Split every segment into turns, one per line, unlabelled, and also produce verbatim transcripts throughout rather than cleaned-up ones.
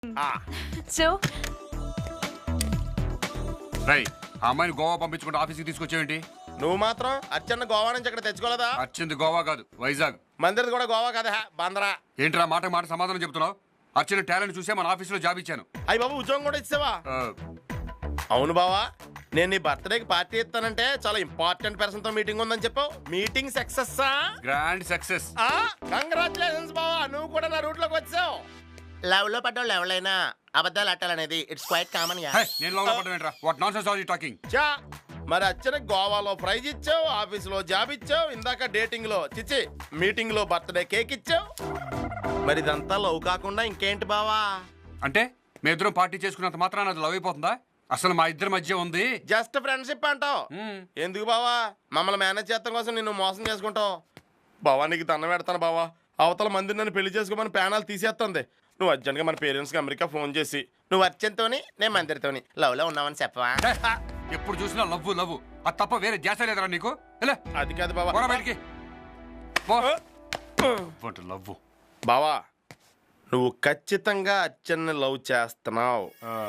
So
రై ఆ అమ్మాయిని గోవా పంపించుకుంటే ఆఫీస్కి తీసుకొచ్చేయండి.
నువ్వు మాత్రం అచ్చన్న గోవా నుంచి అక్కడ తెచ్చుకోలేదా?
అర్చింది గోవా కాదు, వైజాగ్.
మందిరది కూడా గోవా కదా, బందరా.
ఏంట్రా మాట మాట సమాధానం చెప్తున్నావు? అర్చిన టాలెంట్ చూసే మన ఆఫీసులో జాబ్ ఇచ్చాను.
అయ్యి బాబు ఉద్యోగం కూడా ఇచ్చావా? అవును బావా, నేను నీ బర్త్డేకి పార్టీ ఇస్తానంటే చాలా ఇంపార్టెంట్ పర్సన్ తో మీటింగ్ ఉందని చెప్పావు. Meeting success?
Grand success.
Congratulations బావా, నువ్వు కూడా నా రూట్ లోకి వచ్చావు. లవ్ లో పడ్డావు ఎవరైనా అబద్ధాలు అట్టాలనేది ఇట్స్ క్వైట్ కామన్.
నేను లవ్ లో పడ్డా ఏంట్రా? What nonsense are you talking?
చా మరి అచ్చన గోవాలో ప్రైజ్ ఇచ్చావు, ఆఫీస్ లో జాబ్ ఇచ్చావు, ఇందాక డేటింగ్ లో చిచ్చి మీటింగ్ లో బర్త్డే కేక్ ఇచ్చావు. మరి ఇదంతా లవ్ కాకుండా ఇంకేంటి బావా?
అంటే మీ ఇద్దరం పార్టీ చేసుకున్నంత మాత్రాన అది లవ్ అయిపోతుందా? అసలు మా ఇద్దరి మధ్య ఉంది
జస్ట్ ఫ్రెండ్షిప్ అంటావు. ఎందుకు బావా మమ్మల్ని మేనేజ్ చేస్తాం కోసం నిన్ను మోసం చేసుకుంటావు? బావా నీకు దండం పెడతాను బావా, అవతల మంది నన్ను పెళ్లి చేసుకోమని ప్యానాలు తీసేస్తుంది. నువ్వు అర్జెంట్గా మన పేరెంట్స్కి అమెరికా ఫోన్ చేసి నువ్వు అర్జెంట్తోని నేను మందిరితోని లవ్ లో ఉన్నావని చెప్పవా?
ఎప్పుడు చూసినా లవ్ లవ్, అది తప్ప వేరే ధ్యాస లేదరా నీకు?
అది కాదు బావా,
బయటికి లవ్.
బావా నువ్వు ఖచ్చితంగా అచ్చన్ని లవ్ చేస్తున్నావు.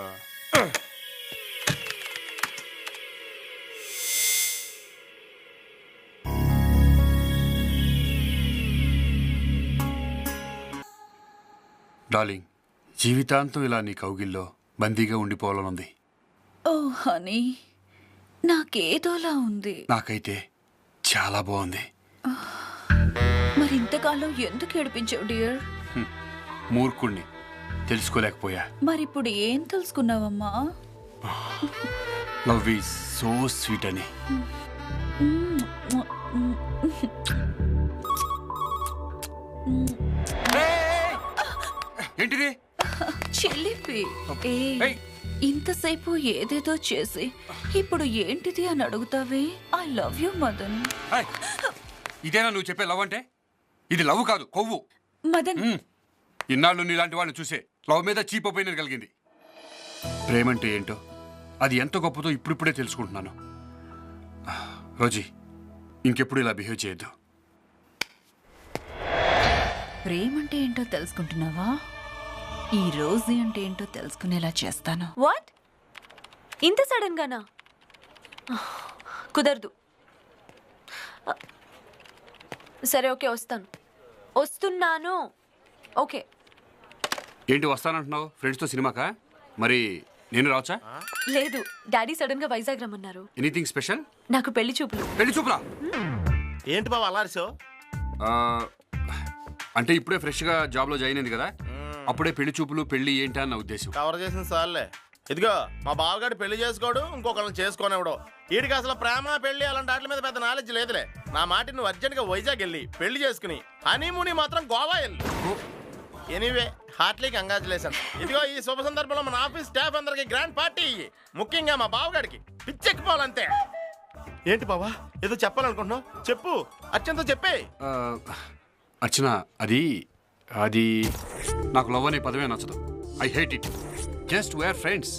డార్లింగ్, జీవితాంతం ఇలా నీ కౌగిల్లో బందీగా ఉండిపోవాలనుంది.
ఓ హనీ, నాకేదోలా ఉంది.
నాకైతే చాలా బాగుంది.
మరి ఇంతకాలం ఎందుకు ఏడిపించావు డియర్?
మూర్ఖుణ్ణి, తెలుసుకోలేకపోయా.
మరి ఇప్పుడు ఏం తెలుసుకున్నావమ్మా?
లవ్ ఈజ్ సో స్వీట్ అని. ఏంటిది?
చెల్లిపి ఏ ఇంతసేపు ఏదేదో చేసి ఇప్పుడు ఏంటిది అని అడుగుతావే? I love you Madan.
ఇదేనా నువ్వు చెప్పే లవ్ అంటే? ఇది లవ్ కాదు, కొవ్వు.
మదన్,
ఇన్నాళ్ళు నీలాంటి వాళ్ళని చూసే లవ్ మీద చీప్ ఒపీనియన్ కలిగింది. ప్రేమంటే ఏంటో, అది ఎంత గొప్పదో ఇప్పుడిప్పుడే తెలుసుకుంటున్నాను. రోజీ, ఇంకెప్పుడు ఇలా బిహేవ్ చేయొద్దు.
ప్రేమంటే ఏంటో తెలుసుకుంటున్నావా? ఈ రోజు అంటే ఏంటో తెలుసుకునేలా చేస్తాను.
వాట్? ఇంత సడన్ గానా? కుదరదు. సరే ఓకే, వస్తాను. వస్తున్నాను. ఓకే.
ఏంటి వస్తానంటున్నావు? ఫ్రెండ్స్తో సినిమాకా? మరి నేను రావచ్చా?
లేదు, డాడీ సడన్ గా వైజాగ్ రమ్మన్నారు.
Anything special?
నాకు పెళ్లి చూపులు.
పెళ్లి చూపులా?
ఏంటి బావ అల్లారిసో?
అంటే ఇప్పుడే ఫ్రెష్గా జాబ్లో జాయిన్ అయింది కదా, అప్పుడే పెళ్లి చూపులు పెళ్లి ఏంటా అన్న ఉద్దేశం.
కవర్ చేసిన సార్లే. ఇదిగో మా బావగాడు పెళ్లి చేసుకోడు, ఇంకొకరిని చేసుకోనివ్వడు. వీడికి అసలు ప్రేమ పెళ్లి అలాంటి వాటి మీద పెద్ద నాలెడ్జ్ లేదులే. నా మాట నువ్వు అర్జెంట్ గా వైజాగ్ వెళ్ళి పెళ్లి చేసుకుని హనీమూని మాత్రం గోవా వెళ్ళి. Anyway heartly congratulation. ఇదిగో ఈ శుభ సందర్భంలో మన ఆఫీస్ స్టాఫ్ అందరికి గ్రాండ్ పార్టీ ఇయ్యి, ముఖ్యంగా మా బావగాడికి పిచ్చెక్కిపోవాలంతే. ఏంటి బావా ఏదో చెప్పాలనుకుంటున్నావు? చెప్పు, అర్చనతో చెప్పే.
అర్చన, అది అది నాకు లవ్ అనే పదమే నచ్చదు. I hate it. Just where friends.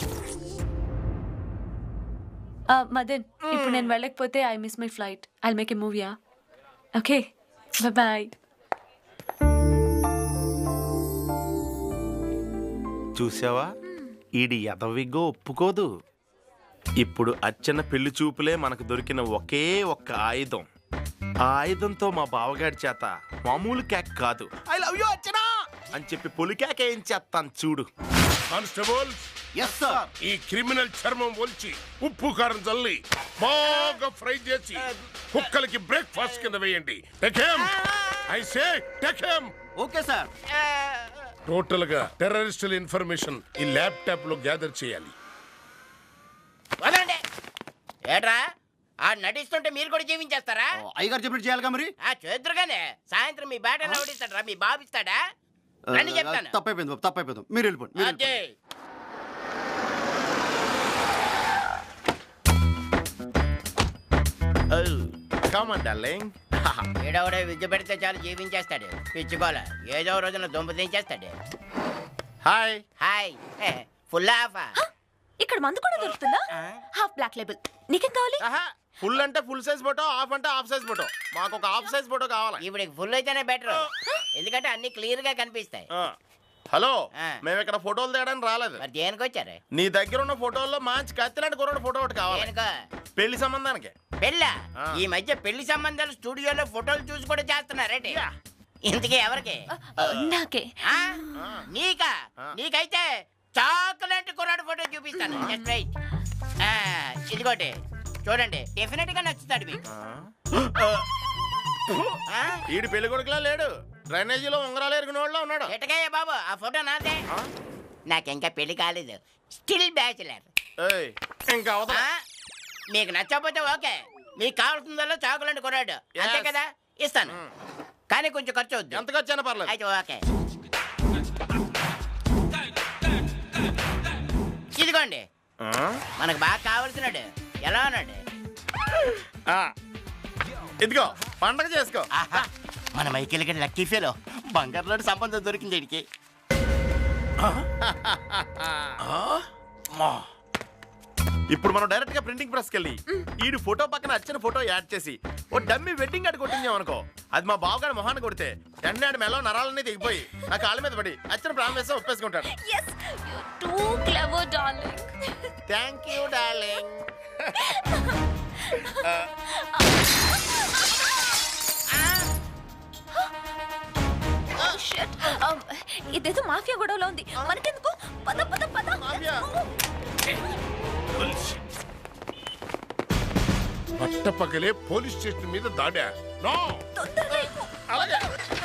Madan, ఇప్పుడు నేను వెళ్ళకపోతే I miss my flight. I make a మూవీయా? Okay, bye.
చూసావా, ఈడి ఎదవిగో ఒప్పుకోదు. ఇప్పుడు అచ్చన పెళ్లి చూపులే మనకు దొరికిన ఒకే ఒక్క ఆయుధం. ఆ ఆయుధంతో మా బావగాడి చేత మామూలు కేక్ కాదు, ఐ లవ్ యూ అచ్చనా అని చెప్పి పొలి కేక్ ఏం చేస్తాను చూడు.
కానిస్టేబుల్, ఈ క్రిమినల్ చర్మం ఒలిచి ఉప్పు కారం చల్లి బాగా ఫ్రై చేసి కుక్కలకి బ్రేక్ఫాస్ట్ కింద వేయండి. I say take him.
Okay sir.
Total గా టెర్రరిస్టుల ఇన్ఫర్మేషన్ ఈ ల్యాప్టాప్ లో గ్యాదర్ చేయాలి.
ఏట్రా ఆ నటిస్తుంటే మీరు కూడా జీవించేస్తారా?
అయ్యగారు చెప్పినట్టు చేయాలిగా మరి.
ఆ చేద్దరుగానే సాయంత్రం మీ బ్యాట్ ఎలా ఓడిస్తాడరా? మీ బాబు ఇస్తాడా? రండి చెప్తాను.
తప్పైపోయింది తప్పైపోయింది, మీరు వెళ్ళిపోండి.
అదే ఏడవడే విద్య పెడితే చాలు జీవించేస్తాడు. పిచ్చుకోల ఏదో రోజున దుంప దించేస్తాడు.
Hi
hi. Full half.
ఇక్కడ మందు కూడా దొరుకుతుందా? Half black label. నీకేం కావాలి?
ఫుల్ అంటే ఫుల్ సైజ్ ఫోటో, హాఫ్ అంటే హాఫ్ సైజ్ ఫోటో. మాకు ఒక హాఫ్ సైజ్ ఫోటో కావాలి.
ఇప్పుడు ఫుల్ అయితేనే బెటర్, ఎందుకంటే అన్ని క్లియర్ గా కనిపిస్తాయి.
హలో
ఆ.
మేము ఇక్కడ ఫోటోలు తేయడానికి రాలేదు.
మరి దేనికి వచ్చారు?
నీ దగ్గర ఉన్న ఫోటోల్లో మంచి కత్తిలాంటి కుర్రాడు ఫోటో ఒకటి కావాలి.
దేనికో?
పెళ్లి సంబంధానికి.
పెళ్ళా?
ఆ.
ఈ మధ్య పెళ్లి సంబంధాలు స్టూడియోలో ఫోటోలు చూసి కూడా చేస్తున్నారేంటి? ఇంతకీ ఎవరికి?
నాకే.
ఆ? నీకా? నీకైతే చాక్లెట్ కుర్రాడు ఫోటో చూపిస్తాను. Just wait. ఆ, ఇదిగోటి చూడండి, డెఫినెట్ గా నచ్చుతాడు మీకు. ఆ?
ఈడు పెళ్లి కొడుకులా లేడు, డ్రైనేజీలో ఉంగరాలు ఎరిగిన వాళ్ళ ఉన్నాడు.
ఎటకయ్య బాబు, ఆ ఫోటో నాదే. నాకింకా పెళ్లి కాలేదు, స్టిల్ బ్యాచులర్.
ఏయ్, ఇంకా అవతల.
మీకు నచ్చకపోతే ఓకే, మీకు కావాల్సిందల్లా చాకులండి కొన్నాడు, అంతే
Yes.
కదా, ఇస్తాను. కానీ కొంచెం ఖర్చు అవుద్ది.
ఎంత ఖర్చు అయినా పర్లేదు.
అయితే ఓకే, ఇదిగోండి.
ఆ?
మనకు బాగా కావాల్సినాడు. ఎలా ఉన్నాడు?
ఆ. ఇదిగో పండగ చేసుకో.
ఆహా, మన మైకిల్ గడి లక్కీ ఫీలో బంగారు లాంటి సంబంధం దొరికింది వీడికి.
ఇప్పుడు మనం డైరెక్ట్ గా ప్రింటింగ్ ప్రెస్ కెళ్ళి ఈడు ఫోటో పక్కన వచ్చిన ఫోటో యాడ్ చేసి ఓ డమ్మీ వెడ్డింగ్ కార్డు కొట్టించాం అనుకో, అది మా బావగాడి మొహాన్ని కొడితే వెంటనే ఆడి మెలో నరాలన్నీ దిగిపోయి నా కాళ్ళ మీద పడి వచ్చిన ప్రాణం వేస్తే ఒప్పేసుకుంటాడు.
Yes, you're too clever, darling.
Thank you darling.
Oh shit. Um, ఇదేదో మాఫియా గొడవలో ఉంది. మనకెందుకు? పద పద పద.
మాఫియా?
పట్టపగలే పోలీస్ స్టేషన్ మీద దాడా. నో
తొందరగా ఎక్కు.
అలాగే.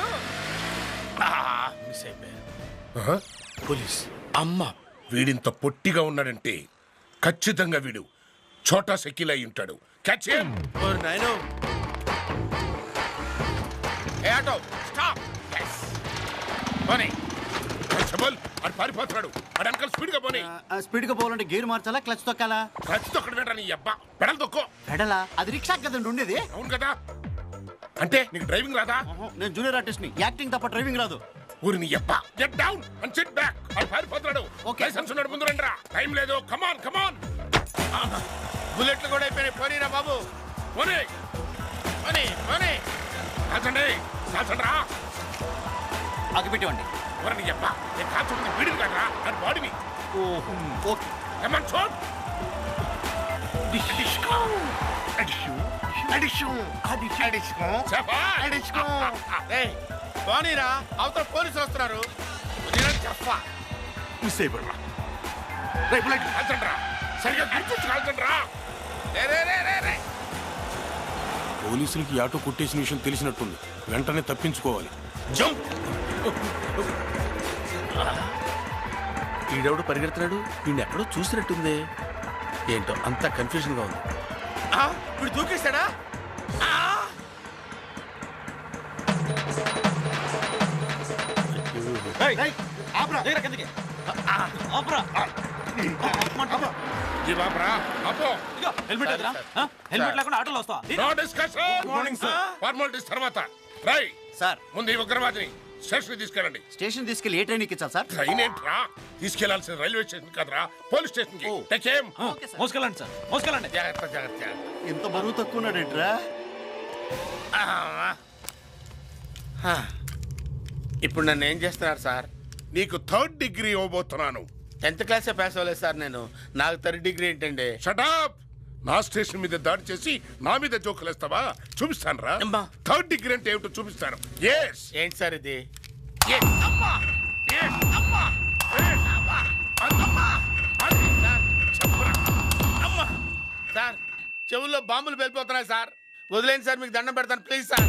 మిస్ అయిపోయా. పోలీస్ అమ్మ, వీడింత పొట్టిగా ఉన్నాడంటే ఖచ్చితంగా వీడు చోటా సెకిల్ అయి ఉంటాడు. Catch him.
ఓరి నాయనో.
ఏ ఆటో స్టాప్. yes పోనీ. కానిస్టేబుల్, అటు పారిపోతున్నాడు. అటు అంకల్ స్పీడ్ గా పోనీ.
స్పీడ్ గా పోవాలంటే గేర్ మార్చాలా, క్లచ్ తొక్కాలా?
ఖర్చు తొక్కడు వెంటరా నీ అబ్బా. పెడల్ తొక్కో.
పెడలా? అది రిక్షా కదండి ఉండేది.
అవును కదా, అంటే నీకు డ్రైవింగ్ రాదా?
నేను జూనియర్ ఆర్టిస్ట్ ని, యాక్టింగ్ తప్ప డ్రైవింగ్ రాదు.
ఊరి నీ అబ్బా. Get down and sit back. అటు పారిపోతున్నాడు.
Okay.
లైసెన్స్ ఉన్నాడు, ముందు రండిరా. టైం లేదు. కమాన్ కమాన్.
బుల్లెట్లు కూడా అయిపోయినాయి. పోనీరా బాబు.
పోనీ
పోనీ పోనీ.
కాల్చండి కాల్చండి రా.
అగిపెట్టేవండి.
ఊరి నీ అబ్బా. నేను కాల్చుకుంది వీడిని కాదురా, అది బాడీని.
ఓహో, ఓకే.
Come on shoot.
ఏయ్, పోనీరా, అవతల పోలీసులు వస్తున్నారు.
మిస్ అయిపోయినా కాల్చండి రా. సరిగ్గా గుర్తొచ్చి కాల్చండి రా.
రే, రే, రే, రే, రే.
పోలీసులకి ఆటో కొట్టేసిన విషయం తెలిసినట్టుంది, వెంటనే తప్పించుకోవాలి.
జంప్.
ఈడెవడు పరిగెడుతున్నాడు? వీడిని ఎక్కడో చూసినట్టుంది. ఏంటో అంతా కన్ఫ్యూజన్ గా ఉంది. ఆ, వీడు దూకేశాడా? ఆ!
ఈ బాబరా అపో.
హెల్మెట్ ఎదురా? హెల్మెట్ లేకుండా ఆటోలో వస్తావా?
No discussion. Morning sir. Formalities తర్వాత. రై
సార్,
ముందు ఈ ఉగ్రవాదిని స్టేషన్ తీసుకెళ్ళండి.
స్టేషన్ తీసుకెళ్లి ఏ ట్రైన్ ఎక్కించాలి సార్?
ట్రైన్ ఏంట్రా, తీసుకెళ్లాల్సిన రైల్వే స్టేషన్ కదరా, పోలీస్ స్టేషన్ కి. Take him.
మోసుకెళ్ళండి సార్, మోసుకెళ్ళండి.
జాగ్రత్త జాగ్రత్త.
ఎంత బరువు తక్కువ ఉన్నాడేంట్రా?
ఆ. ఇప్పుడు నన్ను ఏం చేస్తున్నారు సార్?
నీకు థర్డ్ డిగ్రీ ఇవ్వబోతున్నాను.
టెన్త్ క్లాసే పాస్ అవ్వలేదు సార్ నేను. నాకు థర్డ్ డిగ్రీ ఏంటండి?
షటప్. నా స్టేషన్ మీద దాడి చేసి నా మీద జోకులేస్తావా? చూపిస్తాను రా.
అమ్మా.
థర్డ్ డిగ్రీ అంటే ఏమిటో చూపిస్తాను. ఎస్
ఏంటి సార్ ఇది? సార్, చెవుల్లో బాంబులు వెళ్ళిపోతున్నాయి సార్. వదిలేండి సార్, మీకు దండం పెడతాను ప్లీజ్ సార్.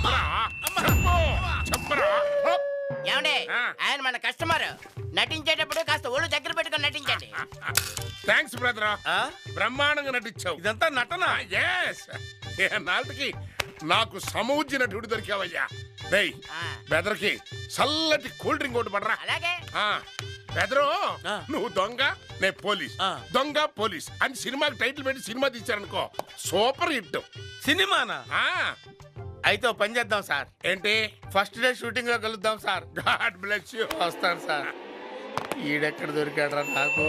ఏమండి, ఆయన మన కస్టమర్. నటించేటప్పుడు కాస్త ఒళ్ళు దగ్గర పెట్టుకొని నటించండి.
Thanks brother.
ఆ?
బ్రహ్మాండంగా నటించావు.
ఇదంతా నటన.
ఎస్ నాటికి నాకు సమూజ్య నటుడు దొరికావయ్యా. రేయ్
ఆ.
బెదర్కి చల్లటి కూల్ డ్రింక్ ఒకటి పడరా.
అలాగే.
ఆ, బెదరు
ఆ.
నువ్వు దొంగ, నే పోలీస్.
ఆ.
దొంగ పోలీస్ అని సినిమాకి టైటిల్ పెట్టి సినిమా తీశారనుకో, సూపర్ హిట్.
సినిమానా?
ఆ,
అయితే ఓ పని చేద్దాం సార్.
ఏంటి?
ఫస్ట్ డే షూటింగ్ లో కలుద్దాం సార్.
God bless you.
వస్తాను సార్. ఈడెక్కడ దొరికాడ్రా నాకు?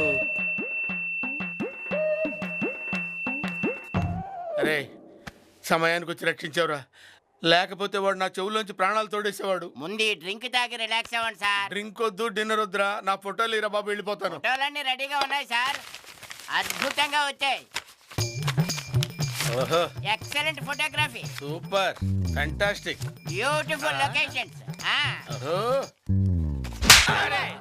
అరే, సమయానికి వచ్చి రక్షించావురా. లేకపోతే వాడు నా చెవులోంచి ప్రాణాలు తోడేసేవాడు.
ముందు ఈ డ్రింక్ తాగి రిలాక్స్ అవ్వండి సార్.
డ్రింక్ వద్దు, డిన్నర్ వద్దురా. నా ఫోటోలు ఇరా బాబు, వెళ్ళిపోతాను.
ఫోటోలన్నీ రెడీగా ఉన్నాయి సార్, అద్భుతంగా వచ్చాయి.
ఓహో,
excellent photography,
super, fantastic,
beautiful locations.
ఓహో.
అరే